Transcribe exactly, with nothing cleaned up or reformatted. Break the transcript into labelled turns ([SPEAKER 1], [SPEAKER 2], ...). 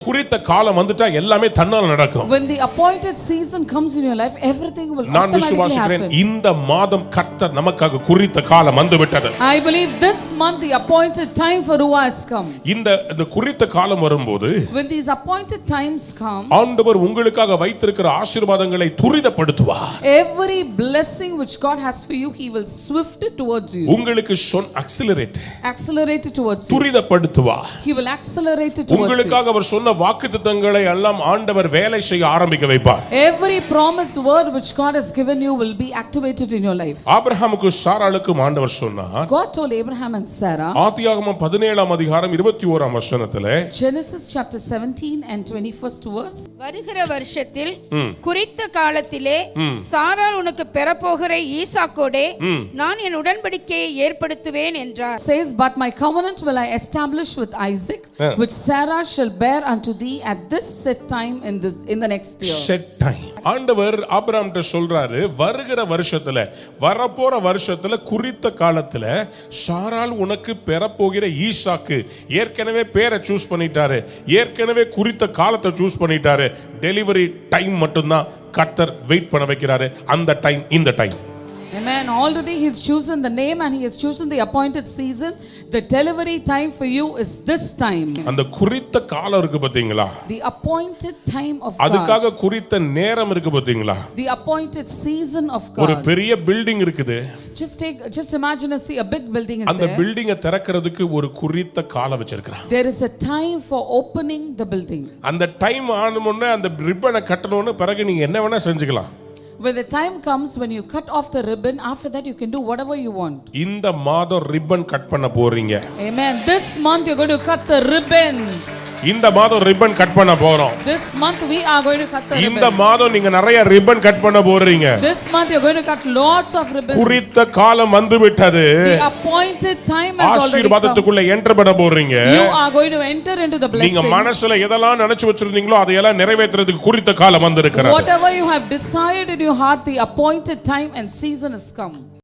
[SPEAKER 1] குறித்த காலம் வந்துட்டா எல்லாமே தன்னால நடக்கும்.
[SPEAKER 2] When the appointed season comes in your life, everything will
[SPEAKER 1] நான்
[SPEAKER 2] automatically
[SPEAKER 1] விசுவாசிக்கிறேன்
[SPEAKER 2] happen.
[SPEAKER 1] இந்த மாதம் கர்த்தர் நமக்காக குறித்த காலம் வந்துவிட்டது.
[SPEAKER 2] I believe this month the appointed time for Ruah has come.
[SPEAKER 1] இந்த இந்த குறித்த காலம் வரும்போது
[SPEAKER 2] When these appointed times come,
[SPEAKER 1] ஆண்டவர் உங்களுக்காக வைத்திருக்கிற ஆசீர்வாதங்களை துரிதப்படுத்துவார்.
[SPEAKER 2] every blessing which God has for you, He will swift it towards you.
[SPEAKER 1] உங்களுக்கு சொன் accelerate
[SPEAKER 2] Accelerate it towards you.
[SPEAKER 1] துரிதப்படுத்துவார்.
[SPEAKER 2] He will accelerate it towards you.
[SPEAKER 1] உங்களுக்காக அவர் சொன்ன வாக்குத்தத்தங்களை எல்லாம் ஆண்டவர் வேலை செய்ய ஆரம்பிக்க வைப்பார்.
[SPEAKER 2] Every promised word which God has given you will be activated in your life.
[SPEAKER 1] ஆபிரகாமுக்கு சாராளுக்கு ஆண்டவர் சொன்னார்.
[SPEAKER 2] God told Abraham and Sarah.
[SPEAKER 1] ஆதியாகமம் பதினேழாம் அதிகாரம் இருபத்தி ஓராம் வசனத்திலே
[SPEAKER 2] Genesis chapter seventeen and twenty-first verse.
[SPEAKER 3] வருகிற வருஷத்தில் குறித்த காலத்திலே சாராள் உனக்கு பெறப்போகிற ஈசாக்கோடே நான் என் உடன்படிக்கையை ஏற்படுத்துவேன் என்றார்.
[SPEAKER 2] Says, but my covenant will I establish with Isaac, which Sarah shall bear unto thee at this set time in this in the next year.
[SPEAKER 1] Set time. ஆண்டவர் ஆபிரகாம்கிட்ட சொல்றாரு, வருகிற வருஷத்துல வரப்போற வருஷத்துல குறித்த காலத்துல சாராள் உனக்கு பெறப்போகிற ஈசாக்கு ஏற்கனவே பேரை சூஸ் பண்ணிட்டாரு, ஏற்கனவே குறித்த காலத்தை சூஸ் பண்ணிட்டாரு. டெலிவரி டைம் மட்டும்தான் கர்த்தர் வெயிட் பண்ண வைக்கிறாரு. அந்த டைம் இந்த time.
[SPEAKER 2] Amen. Already He's chosen the name and He has chosen the appointed season. The delivery time for you is this time.
[SPEAKER 1] அந்த குறித்த காலம் இருக்கு பாத்தீங்களா?
[SPEAKER 2] The appointed time of God.
[SPEAKER 1] அதுக்காக குறித்த நேரம் இருக்கு பாத்தீங்களா?
[SPEAKER 2] The appointed season of God.
[SPEAKER 1] ஒரு பெரிய பில்டிங் இருக்குது.
[SPEAKER 2] Just take just imagine a see a big building is
[SPEAKER 1] அந்த
[SPEAKER 2] there.
[SPEAKER 1] பில்டிங்கை திறக்கிறதுக்கு ஒரு குறித்த காலம் வச்சிருக்காங்க.
[SPEAKER 2] There is a time for opening the building.
[SPEAKER 1] அந்த டைம் ஆன உடனே அந்த ரிப்பனை கட்டணும்னு பிறகு நீங்க என்ன வேணா செஞ்சுக்கலாம்.
[SPEAKER 2] When the time comes when you cut off the ribbon, after that you can do whatever you want.
[SPEAKER 1] இந்த மாதம் ரிப்பன் கட் பண்ண போறீங்க.
[SPEAKER 2] Amen. This month you're going to cut the ribbons.
[SPEAKER 1] இந்த மாதம் ரிப்பன் கட் பண்ண போறோம்.
[SPEAKER 2] This month we are going to cut the ribbon.
[SPEAKER 1] இந்த மாதம் நீங்க நிறைய ரிப்பன் கட் பண்ண போறீங்க.
[SPEAKER 2] This month you're going to cut lots of ribbons.
[SPEAKER 1] குறித்த காலம் வந்துவிட்டது.
[SPEAKER 2] The appointed time has already come.
[SPEAKER 1] ஆசீர்வாதத்துக்குள்ள என்டர் பண்ண போறீங்க.
[SPEAKER 2] You are going to enter into the blessing.
[SPEAKER 1] நீங்க மனசுல எதெல்லாம் நினைச்சு வச்சிருந்தீங்களோ அதையெல்லாம் நிறைவேத்துறதுக்கு குறித்த காலம் வந்திருக்கிறது.
[SPEAKER 2] Whatever you have decided in your heart, the appointed time and season has come.